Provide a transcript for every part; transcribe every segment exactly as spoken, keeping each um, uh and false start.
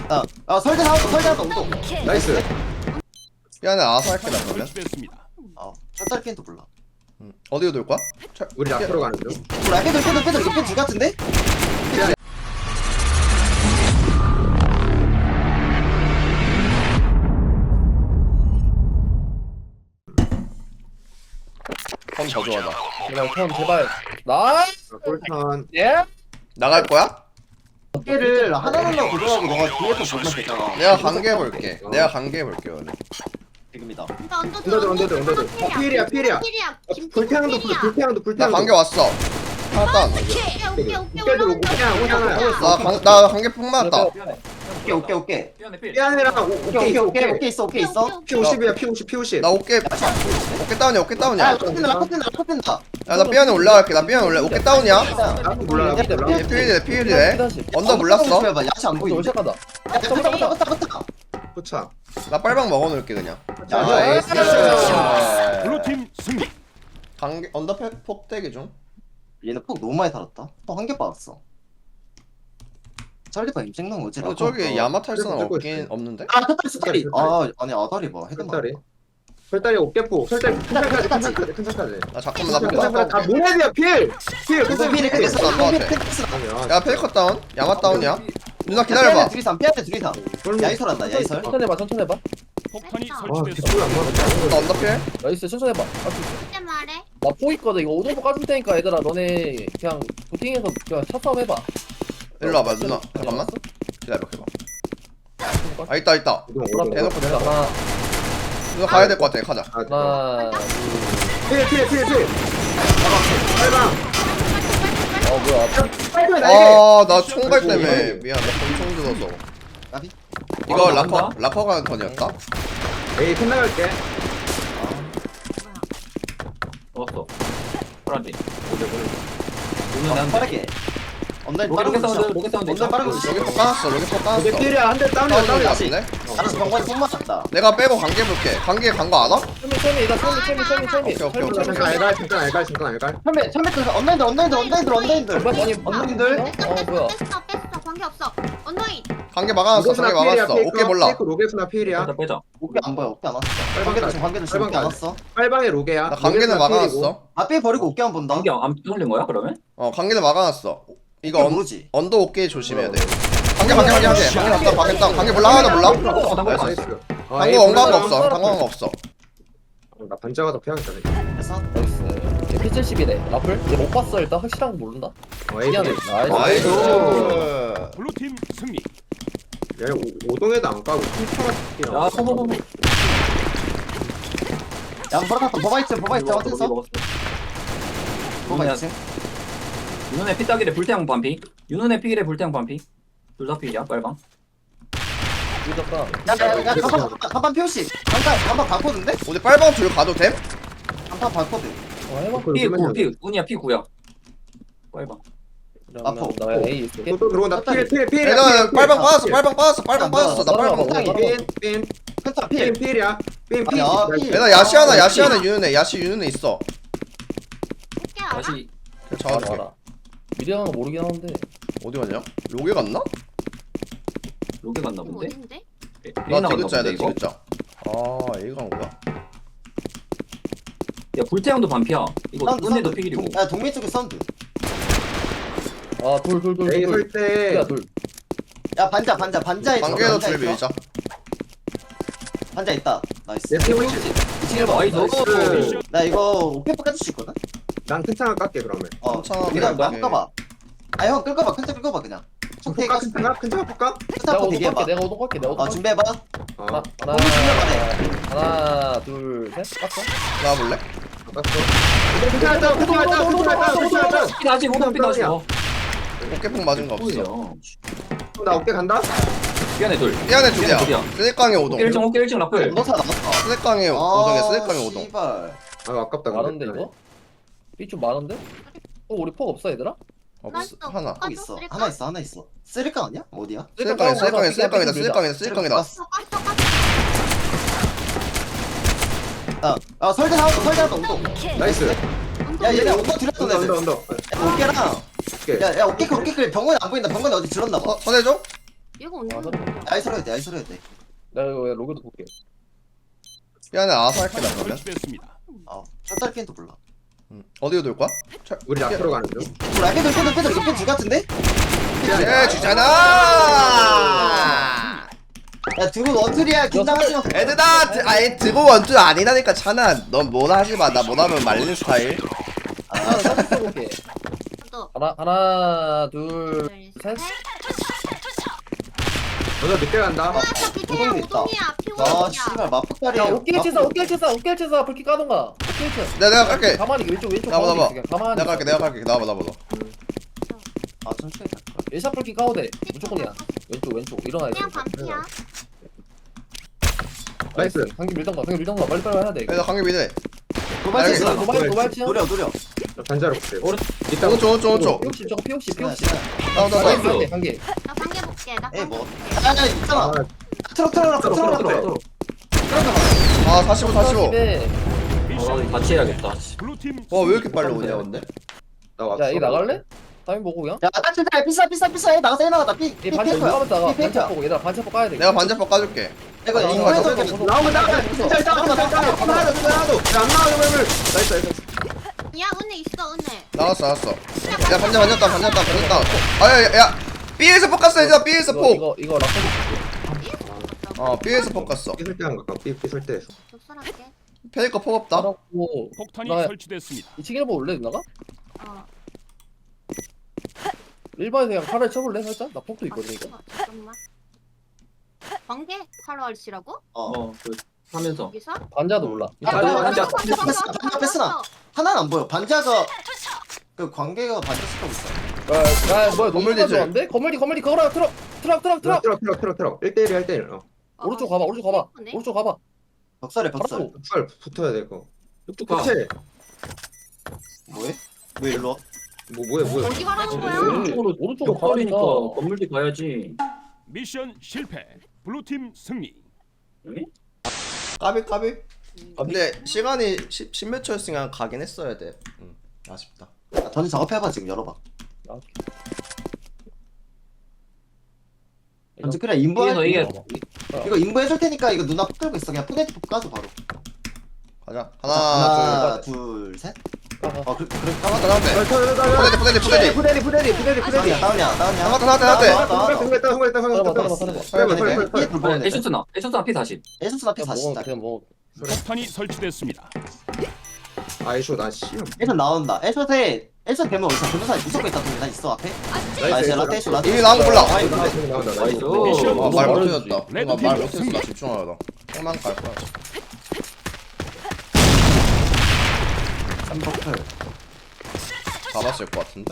아, 아 설대 나왔다 설대 나왔다 우동. 나이스. 삐안에 아서 할게 나 그러면. 아 샷살 캔도 몰라. 응. 어디로 돌 거야? 차- 우리 앞으로 가는 중. 몰라 빼들 빼들 빼들 이거 빼줄 같은데? 펌 저조하다. 그냥 턴 제발. 나. 골턴. 예? 나갈 거야? 어깨를 하나 눌러 고정하고 너가 뒤에서 보면 되잖아. 내가 관계 볼게. 내가 관계 볼게 오늘. 지금이다. 언더들 언더들 언더들. 어, 필이야 필이야. 필이야. 불태양도 불 불태양도 나 불태양도. 관계 왔어. 하나도 안. 오케이 오케이 오케이 깨들 오고 그냥 오잖아요. 나 관, 나 관계 폭 맞았다. 오케이 오케이 오케이. 삐안이랑 오케이 오케이 오케이 오케이 있어 오케이 있어. 피 오십이야 피 오십 피 오십. 나 어깨 어깨 다운이야 어깨 야 다운이야. 라커핀다 라커핀다 라커핀다. 야 나 삐안에 올라갈게. 나 삐안에 올라. 어깨 다운이야. 나도 몰라 나도 몰라. 얘 피일이래 피일이래. 언더 몰랐어. 봐 야채 안 또 보이는데. 시작하다. 야 붙다 붙다 붙다 붙다. 포차. 나 빨방 먹어놓을게 그냥. 야, 아 에이스. 블루팀 승리. 관계 언더 패- 폭대기 중. 얘는 폭 너무 많이 달았다. 폭 한 개 빠졌어. 설리파 임생난 거지. 근데 저기 야마탈스는 들고 없긴 있어요. 없는데? 아 털다리 스타리. 아 아니 아다리 봐 헤드만. 설다리. 설다리 어깨포. 설다리 큰 살까지 큰 살까지 큰 살까지. 나 잠깐만 나 큰 폭. 살까지 다 모네비야 필. 필. 무슨 필이 필. 끝났어. 안 나왔대. 아니야. 야 페이커 다운. 야마 다운이야. 누나 기다려봐. 기다려봐. 둘이삼 피한테 둘이삼. 야이설 한다 야이설. 천천히 해봐 천천히 해봐. 폭탄이 아 설치됐습니다. 뒷불 안 맞았다. 나 언더필. 나이스 천천히 해봐. 할수 있어. 그때 말해. 나포 있거든. 이거 오동포 까줄 테니까 얘들아 너네 그냥 부팅해서 그냥 차 싸움 해봐. 일로 와봐 누나. 잠깐만. 기다려 기다려. 아 있다 있다. 이동 그럼 오동. 대놓고 내가 하나 누나 가야 될 것 같아. 가자. 아, 하나. 필, 필, 필, 필. 빨강. 어 뭐야? 빨강 날개. 아나 총갈 때문에 미안. 나 권총 들어서. 나비. 이거 라커 라커가 턴이었다. 에이, 끝나갈게. 먹었어. 프란지. 아, 빠르게. 언라인 로켓 빠르고 사운드, 있어. 로켓 사운드. 언라인 빠르고 있어. 여기 폭 까놨어. 여기 폭 까놨어. 이제 필이야. 한 대 다운이야, 다운이 다운이야. 같은데? 알았어 병관이 손 맞았다. 내가 빼고 관계 볼게. 관계 간 거 알아? 철미 철미 나 철미 철미 철미 철미. 오케이, 오케이, 오케이. 잠깐 알갈, 잠깐 알갈, 잠깐 알갈. 천매 천매 그 언라인들 언라인들 언라인들 언라인들. 아니 언라인들. 어 뭐야? 뺐어 뺐어 관계 없어. 언더인. 관계 막아놨어. 관계 막아놨어. 오케이 몰라. 로게스나 필이야. 빼자, 빼자. 어깨 안 보여 어깨 안 왔어. 관계도 지금 관계도 지금 어깨 안 왔어. 빨방에 로게야. 나 관계는 막아놨어. 앞에 버리고 어깨 안 본다. 안경안 뚫린 거야, 그러면? 어 관계는 막아놨어. 이거 이거 언, 모르지. 언더 오케이 조심해야 돼. 관계 관계 관계 관계. 관계 났다. 관계 땅. 관계 몰라 하나 몰라. 어, 나 나이스. 몰라. 당구 엉가한 거 없어. 당구한 거 없어. 나 반짝아서 피하겠다. 그래서 나이스. 피 칠십이래. 라플? 얘 못 봤어 일단 확실한 거 모른다. 어, 에이, 미안해. 야, 나이스. 나이스. 블루팀 승리. 오- 오동에도 안 까고 힐파가 야, 소소소소. 야 버렸다 버바 있지 버바 있지 어땠어? 버바 있지. 윤은의 피따기래 불태양 반피. 윤은의 피길에 불태양 반피. 둘 다 피야, 빨방. 늦었다. 야야야 간판 간판 표시. 간판 간판 바코드인데? 우리 빨방 둘 가도 됨? 간판 바코드. 어 해봐. 피 구, 피 운이야, 피 구야. 빨방. 그러면 나 A 있을게. 또 들어온다. 필, 필, 필. 얘들아 빨방 빠졌어. 빨방 빠졌어. 빨방 빠졌어. 나 빨방 빨방 먹어. 핀, 핀, 큰타 핀, 필. 필이야. 핀, 핀. 아니야, 필. 얘들아 야시 하나 야시 하나 유는애 야시 유는애 있어. 어깨 알아? 다시. 그냥 알아 잡아줄게. 알아. 미래한 거 모르긴 하는데. 어디 갔냐? 로게 갔나? 로게 갔나 이거 본데? 어딘데? 나 디귿자야 나 디귿자. 아 얘가 온 거야. 야, 불태양도 반피야. 이거 사운드, 은혜도 사운드. 피길이고. 동- 야 동민 쪽에 사운드. 아돌돌돌 에이, 돌. 설 때. 야 돌. 야 반자 반자 반자에 있어, 관계도 반자에 둘 있어. 밀자. 반자 있다. 나이스. 내 피 오십. 이층 봐. 나이스. 나이스. 나 이거 오페퍼 까줄 수 있거든? 난 큰창을 깎게 그러면. 어. 괜찮아, 네가 그래, 뭐 끌어봐. 아형 끌어봐. 큰차 끌어봐 그냥. 볼까? 가 큰창아? 큰창 볼까? 내가 스타트 오동 대기해봐. 갈게. 내가 오동 갈게. 내가 오동 어 갈게. 준비해봐. 어. 하나 너무 준비해봐네. 하나 둘 셋. 깠어? 나와볼래? 깎았어. 큰창 했다. 큰창 했다. 큰창 했다. 큰창 했다. 피 다시, 오동 피 다시. 어. 어깨폭 맞은 거 없어. 뭐야. 나 어깨 간다. 미안해, 둘. 삐안에 둘이야. 둘이야. 쓰레깡의 오동. 일 층, 오케이, 일 층 라플. 너사 나왔다. 쓰레깡의 오동이야. 쓰레깡의 오동. 씨발. 아, 아깝다. 많은데 이거? 삐 좀 많은데? 어 우리 폭 없어 얘들아? 없어 하나. 또 있어. 하나 있어. 하나 있어. 쓰리깡 아니야? 어디야? 쓰레깡이 쓰레깡이 쓰레깡이다. 쓰레깡이다. 쓰레깡이다. 갔어. 깠어 깠어. 아, 아 설대 나왔다. 설대 나왔다. 우동. 나이스. 야 얘네 언더 들였던 언더, 애들. 언더, 언더. 야, 어깨랑. 오케이. 야, 야 어깨 그 어깨 그 병원이 안 보인다. 병원이 어디 들었나 봐. 서, 서대줘? 얘가 아, 언제 그래. 아이소로 해야 돼 아이소로 해야 돼. 나 이거 로그도 볼게. 삐안에 알아서 할게 나 그러면. 설치됐습니다. 어 첫달 게임도 몰라. 응. 어디로 돌 거야? 철- 우리 앞으로 가는 중. 몰라 빼들 빼들 빼들 이거 빼줄 같은데? 예 주잖아. 야 두분 원툴이야 긴장하지 마. 애들아 드- 아니 드고 원투 아니라니까 찬아. 넌 뭐나 하지 마. 나 뭐나면 말리는 스타일. 하나 사진 써볼게. 또 하나 하나 둘 셋. 너도 늦게 간다. 아, 저 밑에야 오동이 있다. 오동이야. 아 피오동이야. 씨발 마폭다리야. 야 오케이 치사 오케이 치사 오케이 치사 불키 까던가. 오케이 치사. 내가 내가 갈게. 가만히 왼쪽 왼쪽 나봐, 가만히 나봐. 있어, 그냥 가만히. 내가 갈게 내가 갈게 나와봐 나와봐. 아 천천히 갈 거야. 예샷 불키 까오대. 무조건이야. 왼쪽 왼쪽 일어나야 돼. 그냥 반피야. 나이스. 방금 밀던가 방금 밀던가 빨리 빨리 해야 돼. 이거. 야 관계 미네. 도발치 알겠어. 있어. 도발 도발 치야. 노려 노려. 나 반자로 볼게. 오른 이따 오른쪽 오른쪽 오른쪽. 피옥십 저거 피옥십 시나 피옥십. 시나. 다운 다운 다운. 한개 한 개. 나 관계 볼게. 나 에이 관계 뭐. 볼게. 아야 있잖아. 아, 트럭 트럭 트럭 들어 트럭 들어 트럭. 들어. 아 사십오 사십오. 어 미션 같이 해야겠다. 블루팀 와왜 이렇게 빨리 오냐 근데? 나 왔어. 야 이거 나갈래? 타임 보고 그냥. 야 따뜻해 비싸 비싸 비싸 해 나가서 해 나가다 삐. 이 삐 반차 페이커야. 누가 나가 삐 페이커야. 반차 보고 얘들아 반차 보고 까야 돼. 내가 반대법 까줄게. 이거 나가서 인구에서 가자. 이렇게 나오면 나가. 진짜 일단 나가. 일단 나가. 하나 더 하나 더. 야안 나와 이거 이거. 나이스 나이스. 야 은혜 있어 은혜. 나갔어 나갔어. 야 반대 반대다 반대다 반대다. 아야야 B에서 폭 갔어 얘들아 B에서 이거 폭. 이거 이거 라커. 어 B에서 폭 갔어. 삐설 때한 거. 삐 삐설 때에서. 적설할게. 페이커 폭 없다. 따라고. 폭탄이 나- 설치됐습니다. 이층 일보 올래 누나가? 어. 일반에서 그냥 칼을 쳐볼래 살짝? 나 폭도 있거든 이거. 아, 잠깐만. 관계 칼로알씨라고? 어. 어그 하면서. 여기서? 반자도 몰라. 아, 반자, 반자. 반자 패스나. 하나는 안 보여. 반자가 그 관계가 반자 스톱 있어. 야, 야 뭐야 건물 너무 대줄. 좋아한데? 건물디 건물디 거라 트럭 트럭 트럭 트럭. 트럭 트럭 트럭 트럭. 일 대 일이야 일 대 일. 어. 오른쪽 가봐 오른쪽 가봐 네. 오른쪽 가봐. 벽살에 벽살. 바로. 살 붙어야 돼 이거. 쭉쭉 가. 그치? 뭐해? 왜 일로 와? 뭐 뭐야 뭐야. 어디 가라는 거야? 오른쪽으로 오른쪽으로 벽걸이니까 가라니까. 건물지 가야지. 미션 실패. 블루팀 승리. 여기? 까비 까비. 근데 시간이 십몇 초였으니까 가긴 했어야 돼. 응 아쉽다. 야, 전지 작업해봐 지금 열어봐. 아, 전지 그래 인부해. 이게 이게 이거 인부해줄 테니까 이거 누나 폭 들고 있어. 그냥 푸네트 폭 까줘 바로. 가자. 하나 하나 둘 셋. 가봐. 어 그래 그래. 나갔다 나갔다. 푸대디 푸대디 푸대디. 푸대리 푸대리 푸대리 푸대리. 다운이야 다운이야 다운이야. 나갔다 나갔다 나갔다. 나왔다. 성공했다 성공했다 따라봐 성공했다. 따라봐 따라봐. 빨리 빨리 빨리 빨리. 삐 불보네. 에이션스나 에이션스나 피 사십. 에이션스 앞에 그냥 사십. 먹어 그냥 먹어. 폭탄이 설치됐습니다. 아이쇼 나 씨. 에이션 나온다. 에이션에 에이션 되면 어디서 변호사 무조건 있다. 나 있어 앞에. 아, 나 이제 라떼 에이션 라떼. 이미 나온 거 몰라. 아, 이거 나온다 나온다 나온다. 나이스. 미션 아, 말 말해주지. 못해줬다. 뭔가 말 못했어. 나 집중하려다. 형만 갈 거야. 삼버클. 잡았을 것 같은데?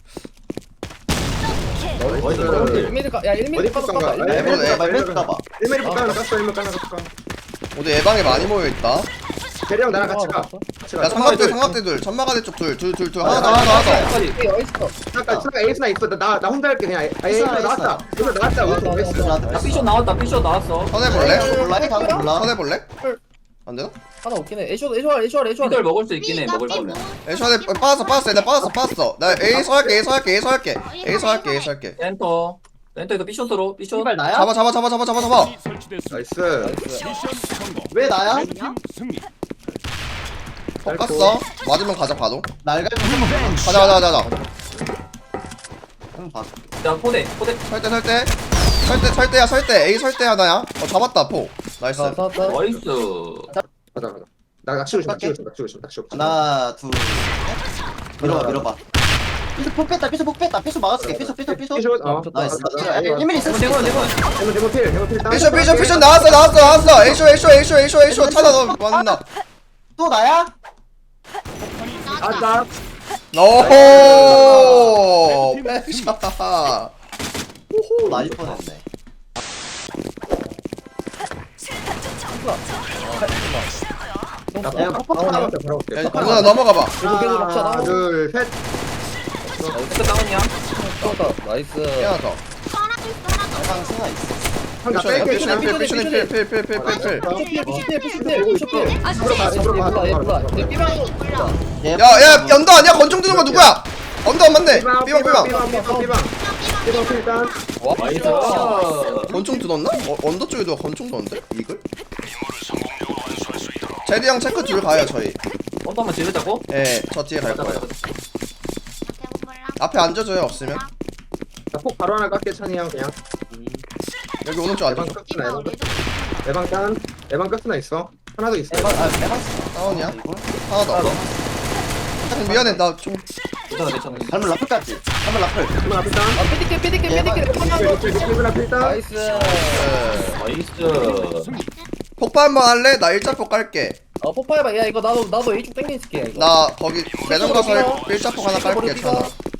나이스. 일 미리 가. 야 일 미리 어디 까봐 갔던가? 까봐. 아니, 일 미리. 에이션 까봐 에이션 까봐. 일 미리 까면 깠어 일 미리 까면 깠어. 어디 예방에 많이 모여있다. 대령 나랑 같이 가. 아, 같이 야 가. 삼각대 삼각대 둘 천마가대 쪽 둘 둘 둘 둘 하나 더 하나 더 하나 더. 까지. 이게 어딨어? 잠깐 잠깐 에이스나 있어. 나 나 혼자 할게 그냥. 아 에이스 나왔다. 에이스 나왔다. 에이션 에이스. 라떼. 야 피션 나왔다. 피션 나왔어. 선해볼래? 몰라 해 가고 몰라. 선해볼래? 안 되나? 하나 없긴 해. 에이쇼 에이쇼 에이쇼 에이쇼. 피들 먹을 수 있긴 해. 삐가 먹을 삐 거면. 뭐- 에이션에 빠졌어 빠졌어 나 빠졌어 빠졌어. 나 에이서 할게 에이서 할게 에이서 할게 에이서 할게 에이서 할게. 센터. 센터에서 피션으로 피션. 이발 나야? 잡아 잡아 잡아 잡아 잡아 잡아. 폭탄이 설치됐습니다. 나이스. 나이스. 미션 성공. 왜 나야? 레드팀 승리. 폭 갔어. 맞으면 가자 바로. 날갈 좀 한번 가자 가자 가자 가자. 한번 봐. 야 포대 포대. 설대 설대. 설대 설대야 설대 A 설대 하나야. 어 잡았다 포. 나이스. 자, 자, 자. 나이스. 가자 가자. 나 낚시고 싶어 낚시고 싶어 낚시고 싶어 낚시고 싶어. 하나 둘 셋. 밀어봐 밀어봐. 삐쇼 폭 뺐다 삐쇼 폭 뺐다 삐쇼 막았을게 삐쇼 삐쇼 삐쇼. 피쇼 어. 나이스. 아, 일 미리 있을 수 대본 있어. 대본. 대본 대본 필 대본 필. 피션 피션 피션 나왔어 나왔어 나왔어. 에이쇼 에이쇼 에이쇼 에이쇼 에이쇼 타다 너 맞나? 또 나야? 폭탄이 나왔다. 아따. 오호. 백샷. 또 나일 뻔했네. 나 야, 팍팍 나오네. 나왔다 바로 올게. 야 누나 넘어가봐. 계속 계속 먹자. 하나 나. 둘 셋. 센터 다운이야. 좋다. 나이스. 하나 더. 또 하나 더 있어 하나 더. 해방 승아 있어. 한가 피션 뺄게. 피션 그냥. 필 피션 필필필필필필. 피쇼필 피쇼필 피쇼필 피쇼필. 아 들어가 진짜 들어가 몰라 얘 몰라. 얘 삐방 몰라. 얘 야야 연도 아니야 건총 드는 거 누구야? 언더 안 맞네. 삐방 삐방. 삐방 삐방 삐방. 삐방 삐방 삐롱 필 일단. 와 나이스. 권총 들었나? 어, 언더 쪽에도 권총 들었는데? 이글? 제리 형 체크 둘 가요 저희. 언더 한번 지르자고? 예, 저 뒤에 갈 거예요. 앞에 앉아줘요 없으면. 나폭 바로 하나 깎게 찬이 형 그냥. 여기 오른쪽 에방 앉아줘. 깎스나 에방 깎- 에방 깐. 에방 깎스나 있어. 하나 더 있어. 에반 아 에반 다운이야? 이걸? 하나 더. 형 미안해 나 좀. 괜찮아 괜찮아. 발물 라플까지 발물 라플 한번 앞에 깐. 아 삐디게 삐디게 삐디게 필 필 앞에 일단. 나이스 예. 나이스. 승리. 폭파 한번 할래? 나 일자폭 깔게. 어 뽀빠해봐 야 이거 나도 나도 A쪽 땡겨 있을게 이거 나 거기 매점 가서 일자폭 하나 깔게 괜찮아.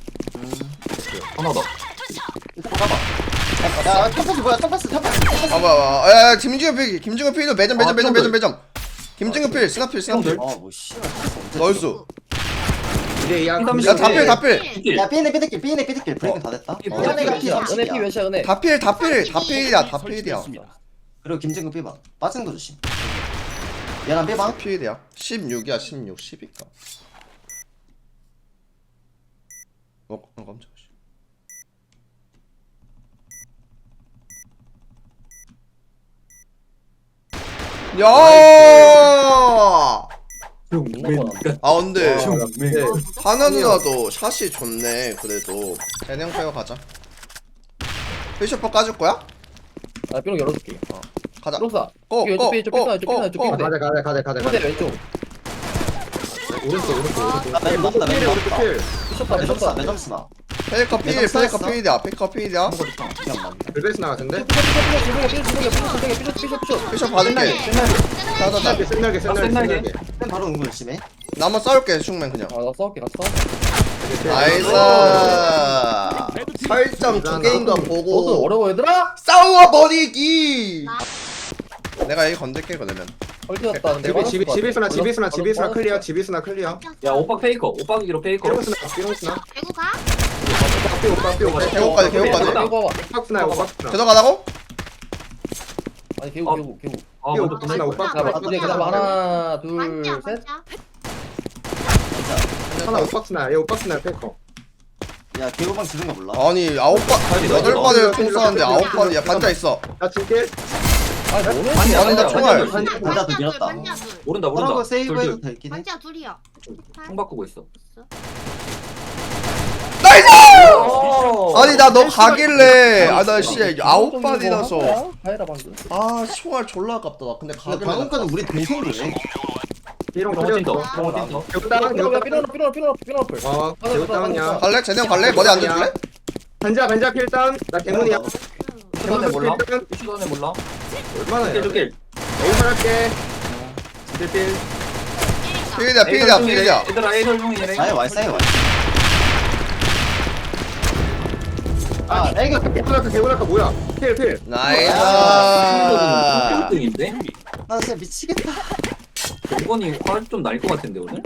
하나 더. 가봐 야 탑패스 뭐야 탑패스 탑패스 탑패스 아 뭐야 뭐야. 야, 야 김진규 필 김진규 필도 매점 매점 매점 매점 매점. 김진규 필 스나필 스나필. 어뭐 씨발 나이스. 이제 야. 피담 야 다필 다필. 야 삐네 삐네길 삐네 삐네길 브레이크 다 됐다 이 어, 뭐야, 은혜가 이거 피 은혜 피 삼십이야 몇이야 은혜 다필 다필 다필이야 다필이야. 설치됐습니다. 그리고 김진구 삐봐 빠진 거 조심 얘랑 삐봐 필이야. 십육이야 십육 십이까. 어, 어 깜짝이야. 야! 아 근데 네. 하나 누나도 샷이 좋네. 그래도 대형 페어 가자. 피셔퍼 까줄 거야? 아 삐롱 열어줄게 가자. 삐롱사 고, 왼쪽 고, 삐 왼쪽 고, 삐 왼쪽 삐 고, 왼쪽 고. 삐 가자 가자 가자 가자 삐 가자. 왼쪽 오른쪽 오른쪽 오른쪽. 아 매점 났다 매점 오른쪽 났다 필. 삐쳤다 매점 쓰나 삐쳤다 매점 쓰나 페이커 필, 매점 페이커 쌓였어? 필이야, 페이커 필이야. 기억 안 난다 벨베스 나갔는데. 피셔 받을게. 자자자. 날개 센 날개 센 날개 센 날개. 날개. 쌤 바로 응고 열심히 해 나 한번 싸울게 슈맨 그냥. 아나 싸울게 같이 싸워 나이스. 설정 두 개인 거 너도 보고 어려워 얘들아? 싸워 버리기. 내가 여기 건들게 그러면. 헐뜯었다 근데 집이 집이 집이스나 집이스나 집이스나 클리어 집이스나 클리어. 야 오빠 페이커. 오빠 기로 페이커. 삐롱스나 삐롱스나. 대구 가? 오빠 삐 오빠 삐 오빠. 개고까지 개고까지. 됐다. 개구 봐봐 오빠스나 오빠스나. 들어가라고? 아니 개구 개구 개구 아 삐 먼저 오빠스나 오빠. 자 봐, 이제 그다음 하나 반지야 둘셋 반지야. 하나 오빠스나 얘 오빠스나 페커. 야 개구방 지른 거 몰라 아니 아홉 번 여덟 번을 총 쏘는데 아홉 번이야 반자 있어. 나 줄게. 아니 뭐는 반지야 아니, 나 반지야 총알. 반지야. 반지야 또 밀었다 반지야 둘. 모른다 그런 거 모른다. 세이브해도 둘, 둘. 되긴 해 반지야 둘이야. 총 바꾸고 있어. 나이스! 오. 아니 나 너 가길래 아나씨 아홉 번이라서 가해라 방금 아 총알 졸라 아깝다 나 근데 근데 가길래 방금까지 우리 동생이래 삐롱 삐롱 클리어. 찐더. 삐롱 찐더. 개구 다운 개구 삐롱 다운. 삐롱 삐롱 삐롱 삐롱 어 개구 다운이야. 갈래? 쟤네 형 갈래? 머리 앉아줄래? 반자 반자 필 다운. 나 개문이야. 슈던에 몰라? 필 다운. 슈던에 몰라? 얼마나 해? 길 길. 여기서 할게. 필필. 필이야 필이야 필이야. 얘들아 에이설 중이래. 사이 와이 사이 와이 아 애기 개구라카 개구라카 뭐야? 필 필. 나이스. 일 등인데? 나 진짜 미치겠다 이번이 화를 좀 날 것 같은데 오늘?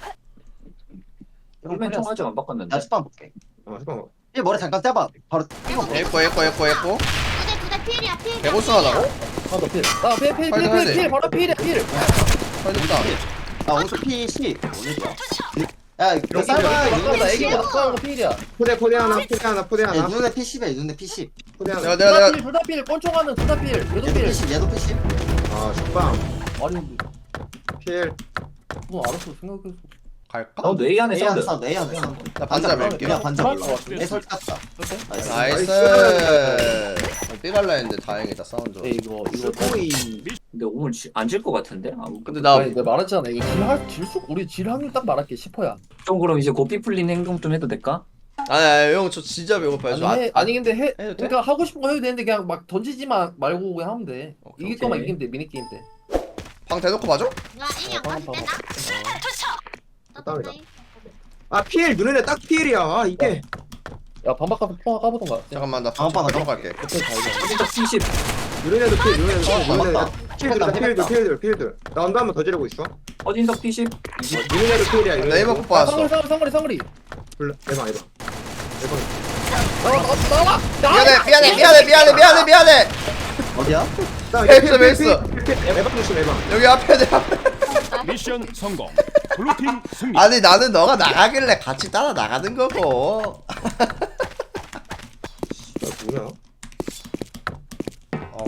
이런 맨 거 총 아직 안 바꿨는데. 나 스판 볼게 어 잠깐만. 얘 머리 잠깐 떼봐 바로 뛰고 에코 에코 에코 에코. 두대 두대 필이야 필. 개고수 하다고? 하나 필나필필필필필 바로 필이야 필 걸렸다. 나 오른쪽 피 십 오늘이야 야그 쌀바 바꿔다 애기 눈에 바꿔 거 필이야 포대 포대 하나 포대 하나 포대 하나 눈에 피 십이야 눈에 피 십 포대 내가 하나. 내가 내가 둘다필 꼰총하는 둘다필 얘도 얘도 필 피 십 얘도 피 십 아 죽방. 아니 필. 뭐 알았어 생각했어 갈까? 너 뇌이 안에 A 안에 사운드. 사운드 A 안에 사운드 나 반자 밀게. 그냥 반자 그럴 몰라 것 같아. A 설치 깠다 나이스 나이스. 삐갈라 했는데 다행이다 사운드. 에이 이거 이거 오이. 근데 오늘 안 질 것 같은데? 아, 근데 나 아니 내가 말했잖아 이거 질할 질수 우리 질 확률 딱 말할게 십 퍼센트야 좀 그럼 이제 고삐 풀린 행동 좀 해도 될까? 아니 아니 형 저 진짜 배고파요. 아니, 저 아, 해, 아니 근데 해 해도 돼? 그러니까 하고 싶은 거 해도 되는데 그냥 막 던지지만 말고 그냥 하면 돼 오케이, 이길 오케이. 거만 이기면 돼 미니 게임 때 방 대놓고 봐줘? 나 인이 안 가도 되나? 다운이다. 아 필 눈에 딱 필이야. 아 이게. 야 반박 가서 통화 까보던가 잠깐만 나 다음 판 잠깐 갈게. 그때 잘 돼. 어디서 피십. 눈에도 필 눈에도 필 어, 눈에도 맞다. 필들 맞다, 필들 맞다. 필들 필들. 나 언더 한번 더 지르고 있어. 어딘서 피십. 눈에도 필이야. 네이버 꼭 아, 봤어. 상거리 상거리 상거리 상거리 불러. 대박 이거. 나와 나와 나와 미안해 미안해 미안해 미안해 미안해 미안해. 어디야? 베이스, 베이스. 에방 조심 에방. 여기 앞에 내 앞에. 미션 성공. 블루팀 승리. 아니 나는 너가 나가길래 같이 따라 나가는 거고.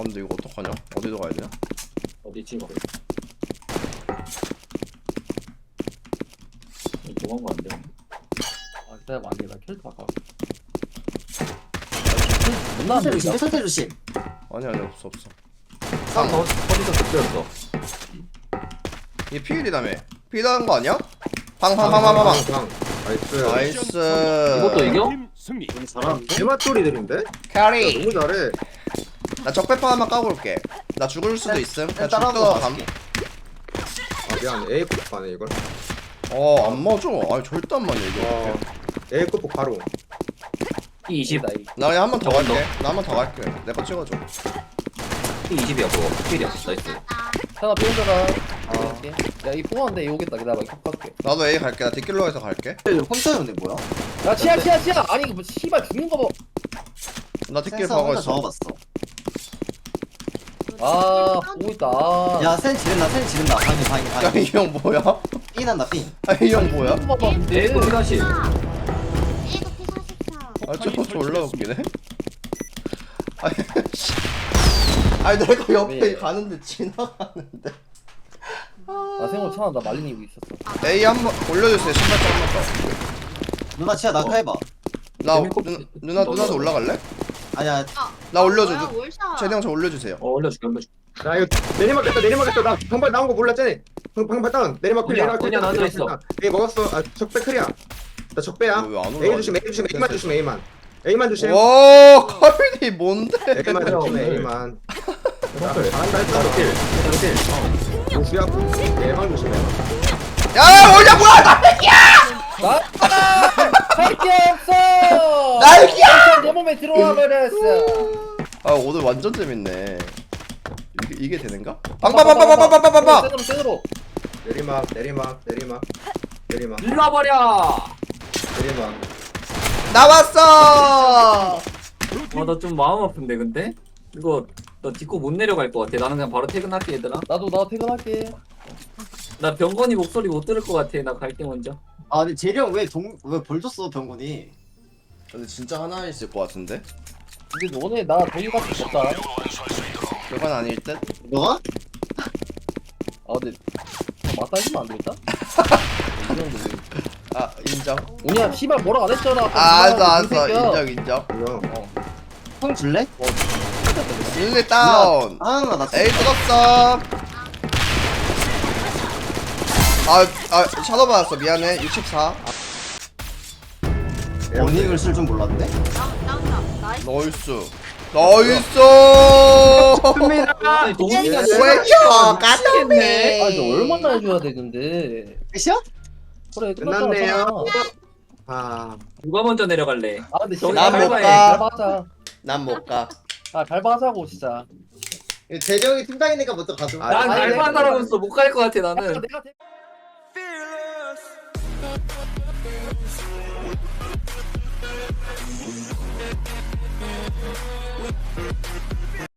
근데 이거 어떡하냐? 어디로 가야 되냐? 어디 찍어? 도망가 안 돼. 아 기다려봐 안돼 나 캐릭터 바꿔 못 설태 조심 나왔는데 설태 조심. 아니 아니 없어 없어. 쌍 더, 어디서 득되었어? 얘 피일이라며. 피일하는 거 아니야? 방방방방방. 방. 나이스. 나이스. 이것도 이겨? 팀 승리. 잘하는데? 개맛돌이들인데? 캐리. 너무 잘해. 나 적배파 하나 까고 올게. 나 죽을 수도 있음. 그냥 따라한 거 죽다가 감. 봐줄게. 아 미안. A 급 가네 이걸. 어, 안 맞아. 아니 절대 안 맞네 이거. 어. A 급 바로. 피 이십. 나 이- 나 그냥 한 번 더 저건 갈게. 나 한 번 더 갈게. 내 거 찍어줘. 피 이십이야 그거. 필이야. 나이스. 하나 삐온다가 야이 뽑았는데 이 오겠다 기다려봐 이거 바꿔줄게 나도 A 갈게. 나 뒷길로에서 갈게. 혼자였네 뭐야? 야 치아 치아 치아 아니 뭐 씨발 죽는 거봐 나 뒷길 센서 가고 혼자 있어. 적어봤어. 아 보고 있다 아. 야센 지른다 센 지른다. 방이 방이 야, 방이. 이 형 뭐야? 삐 난다 삐. 아, 이 형 뭐야? 죽는 거 봐, 근데. 에이코 피 사십. 이거 피 사십사. 아, 저거 졸라 웃기네. 아니, 씨. 아니 내가 옆에 왜? 가는데 지나가는데. 나 생각 참아 나 말린 이유 있었어 A 한번 올려주세요. 신발장 한 번 더. 누나 치아 낙하해봐. 나 재밌고- 누, 누나 누나도 올라갈래? 아니야 나 올려줘. 뭐야, 누- 월샷. 최대형 저 올려주세요. 어 올려줄게 올려줄게. 야 이거 내리막겠다 내리막겠다. 나 방발 나온 거 몰랐잖아. 방 방발 다운. 내리막 클 언니야, 내리막 클. 언니야, 나한테 있어. A 먹었어. 아 적배 클이야. 나 적배야. 왜 안 A 올라가지? 조심 A 조심 A만 조심 A만. A만 조심. 오, 카빈이 뭔데? A만 그래요, 조심 오늘. A만. 야, 잘한다 했잖아. 조수야. A만 조심해. 야, 뭐냐 뭐야? 나 할게 없어 날개야! 내 몸에 들어와 버렸어 아, 오늘 완전 재밌네. 이게 이게 되는가? 빵빵빵빵빵빵빵빵. 세드로 세드로 내리막 내리막 내리막 내리막 일러버려. 내리막. 나왔어. 와나 좀 마음 아픈데 근데 이거 나 딛고 못 내려갈 것 같아. 나는 그냥 바로 퇴근할게 얘들아. 나도 나 퇴근할게 나 병건이 목소리 못 들을 것 같아. 나 갈게 먼저. 아 근데 재리 형왜동왜벌 줬어 병군이? 근데 진짜 하나 있을 것 같은데? 근데 너네 나 돈이 같은 거 없다 그건 아닐 듯. 너가? 아 근데 맞다 해주면 안 되겠다? 이 정도 아, 인정. 오냐 씨발 뭐라고 안 했잖아 아, 알았어, 알았어. 새끼야. 인정, 인정. 이거 어. 형 줄래? 릴리 다운. 아나 에이 뜯었어. 아, 아, 샤도 받았어. 미안해. 육십사. 원익을 쓸 줄 몰랐네. 나- 나온다. 나이스. 나이스. 나이스. 아니 동훈이가 왜요? 까겠네. 아 이제 얼마나 해줘야 돼 근데 끝이야? 그래 끝났네요. 끝났잖아 아 누가 먼저 내려갈래? 아 근데 저기 진짜 난못 밟아야 가. 해. 밟아하자 난 못 가. 아 밟아하자고 진짜 재정이 팀장이니까 먼저 가줘. 아, 난 아니, 알바 내가- 사람으로서 못 갈 것 같아 아, 나는. 내가 대-